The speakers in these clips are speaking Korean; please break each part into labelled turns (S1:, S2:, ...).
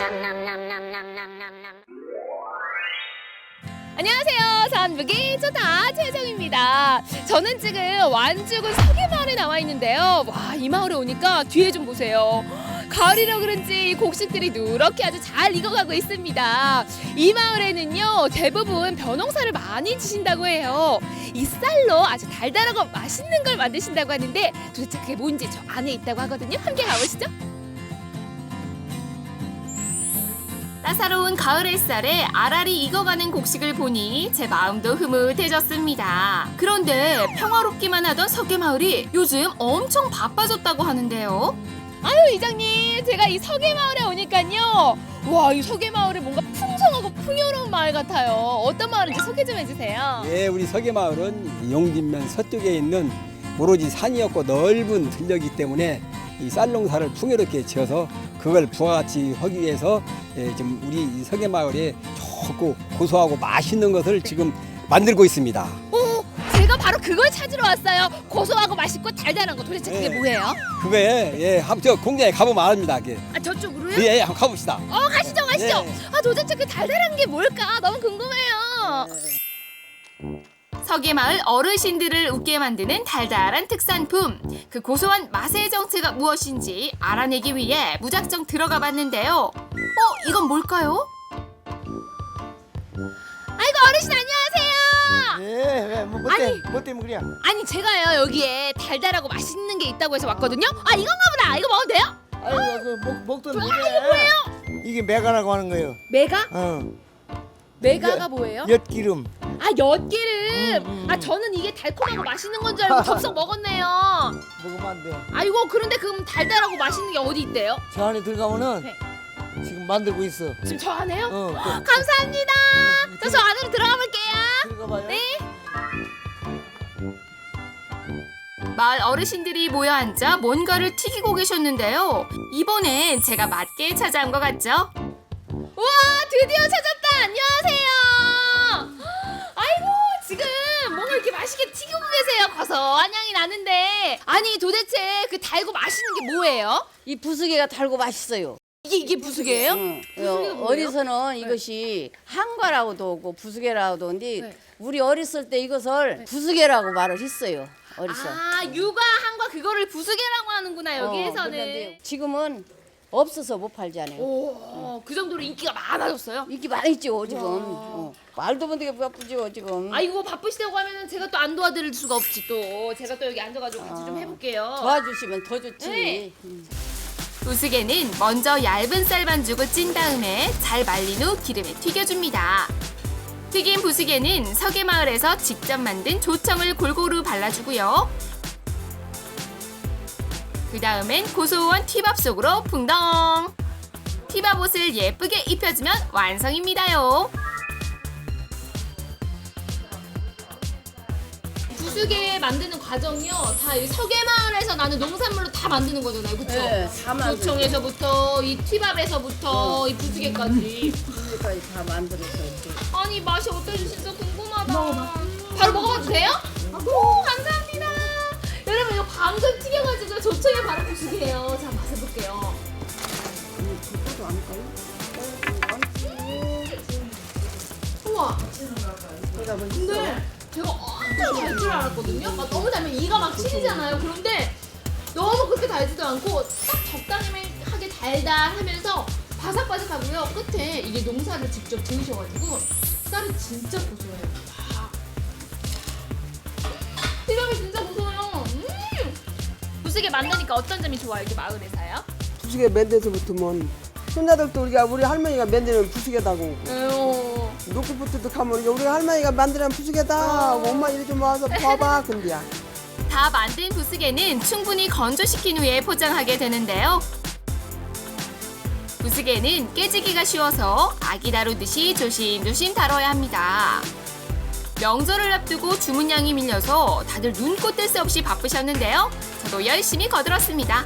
S1: 안녕하세요. 산부기 좋다 최정입니다. 저는 지금 완주군 서계마을에 나와 있는데요. 와, 이 마을에 오니까 뒤에 좀 보세요. 가을이라 그런지 이 곡식들이 누렇게 아주 잘 익어가고 있습니다. 이 마을에는요 대부분 벼농사를 많이 지신다고 해요. 이 쌀로 아주 달달하고 맛있는 걸 만드신다고 하는데 도대체 그게 뭔지 저 안에 있다고 하거든요. 함께 가보시죠. 따사로운 가을 햇살에 알알이 익어가는 곡식을 보니 제 마음도 흐뭇해졌습니다. 그런데 평화롭기만 하던 서계마을이 요즘 엄청 바빠졌다고 하는데요. 아유 이장님, 제가 이 서계마을에 오니까요. 와, 이 서계마을이 뭔가 풍성하고 풍요로운 마을 같아요. 어떤 마을인지 소개 좀 해주세요.
S2: 예, 우리 서계마을은 용진면 서쪽에 있는 오로지 산이었고 넓은 들녘이기 때문에 이 쌀농사를 풍요롭게 지어서 그걸 부가가치 하기 위해서 지금 우리 이 서계마을에 좋고 고소하고 맛있는 것을 지금 만들고 있습니다.
S1: 제가 바로 그걸 찾으러 왔어요. 고소하고 맛있고 달달한 거 도대체 그게 뭐예요?
S2: 그거에 저 공장에 가보면 압니다. 그게.
S1: 아, 저쪽으로요?
S2: 예, 한번 가봅시다.
S1: 가시죠.
S2: 예.
S1: 아, 도대체 그 달달한 게 뭘까? 너무 궁금해요. 서계마을 어르신들을 웃게 만드는 달달한 특산품. 그 고소한 맛의 정체가 무엇인지 알아내기 위해 무작정 들어가 봤는데요. 이건 뭘까요? 아이고, 어르신 안녕하세요.
S3: 예, 뭐 때문에 그래?
S1: 아니, 제가요 여기에 달달하고 맛있는 게 있다고 해서 왔거든요. 이건가 보다. 이거 먹어도 돼요?
S3: 아이고, 그 먹던
S1: 이게
S3: 이게
S1: 뭐예요?
S3: 이게 메가라고 하는 거예요.
S1: 메가? 메가가
S3: 엿-
S1: 뭐예요?
S3: 엿기름.
S1: 엿기름. 저는 이게 달콤하고 맛있는 건 줄 알고 접속 먹었네요.
S3: 먹으면 안 돼.
S1: 아이고, 그런데 그럼 달달하고 맛있는 게 어디 있대요?
S3: 저 안에 들어가면은
S1: 네.
S3: 지금 만들고 있어.
S1: 지금 저 안에요?
S3: 그
S1: 감사합니다. 저 안으로 들어가 볼게요.
S3: 들어가 봐요.
S1: 네. 마을 어르신들이 모여 앉아 뭔가를 튀기고 계셨는데요. 이번엔 제가 맞게 찾아온 것 같죠? 우와, 드디어 찾았다. 안녕하세요. 아이고, 지금 뭔가 이렇게 맛있게 튀기고 계세요. 고소한 향이 나는데. 아니, 도대체 그 달고 맛있는 게 뭐예요?
S4: 이 부수개가 달고 맛있어요.
S1: 이게 부수개예요? 부수개가 뭐예요?
S4: 어디서는 이것이 한과라고도 하고 부수개라고도 하는데
S1: 네.
S4: 우리 어렸을 때 이것을 부수개라고 말을 했어요. 어렸어.
S1: 육아 한과 그거를 부수개라고 하는구나, 여기에서는.
S4: 그런데 지금은 없어서 못 팔지 않아요.
S1: 오, 그 정도로 인기가 많아졌어요?
S4: 인기 많이 있죠 지금. 말도 못하게 바쁘죠 지금.
S1: 아이고, 바쁘시다고 하면은 제가 또 안 도와드릴 수가 없지 또. 제가 또 여기 앉아가지고 같이 좀 해볼게요.
S4: 도와주시면 더 좋지.
S1: 네. 부수개는 먼저 얇은 쌀 반죽을 찐 다음에 잘 말린 후 기름에 튀겨줍니다. 튀긴 부수개는 서계마을에서 직접 만든 조청을 골고루 발라주고요. 그 다음엔 고소한 티밥 속으로 풍덩! 티밥옷을 예쁘게 입혀주면 완성입니다요. 부수개 만드는 과정이요. 다 이 서계마을에서 나는 농산물로 다 만드는 거잖아요, 그렇죠?
S4: 네, 다 만들죠.
S1: 조청에서부터 이 티밥에서부터 이 부수개까지.
S4: 부수개까지 다 만들어서 이렇게.
S1: 아니, 맛이 어떨지 진짜 궁금하다. 바로 먹어봐도 돼요? 오, 감사합니다. 여러분, 이거 방금 튀겨가지고 조청에 바로 부수개예요. 자, 맛을 볼게요. 우와. 근데 제가 엄청 달 줄 알았거든요. 막 너무 달면 이가 막 치이잖아요. 그런데 너무 그렇게 달지도 않고 딱 적당하게 달달하면서 바삭바삭하고요. 끝에 이게 농사를 직접 지으셔가지고 쌀이 진짜 고소해요. 와. 티밥이 진짜 고소해요. 부수개 만드니까 어떤 점이 좋아요? 이렇게 마을에서요?
S5: 부수개 맨데서부터면 손자들도 우리 할머니가 만드는 부수개다고
S1: 에휴.
S5: 놓고부터도 가면 우리 할머니가 만드는 부수개다 엄마 이리 좀 와서 봐봐 근데야
S1: 다 만든 부수개는 충분히 건조시킨 후에 포장하게 되는데요. 부수개는 깨지기가 쉬워서 아기 다루듯이 조심조심 다뤄야 합니다. 명절을 앞두고 주문량이 밀려서 다들 눈코 뜰 새 없이 바쁘셨는데요. 저도 열심히 거들었습니다.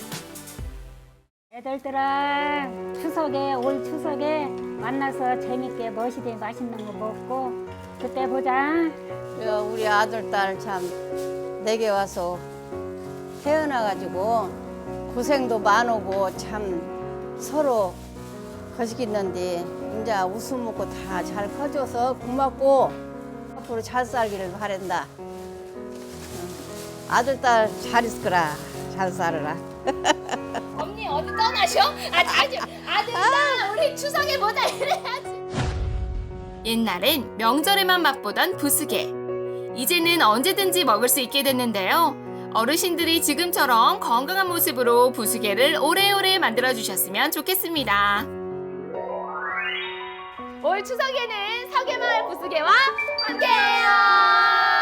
S6: 애들들랑 올 추석에 만나서 재밌게 멋있게 맛있는 거 먹고 그때 보자.
S4: 우리 아들 딸 참 내게 와서 태어나가지고 고생도 많고 참 서로 거시기는데 이제 웃음 먹고 다 잘 커져서 고맙고 앞으로 잘 살기를 바란다. 아들 딸 잘 있을 거라. 잘 살아라.
S1: 언니 어디 떠나셔? 아들 딸 우리 추석에 보자 이래야지. 옛날엔 명절에만 맛보던 부스게. 이제는 언제든지 먹을 수 있게 됐는데요. 어르신들이 지금처럼 건강한 모습으로 부스게를 오래오래 만들어주셨으면 좋겠습니다. 올 추석에는 서계마을 부스게와 함께해요.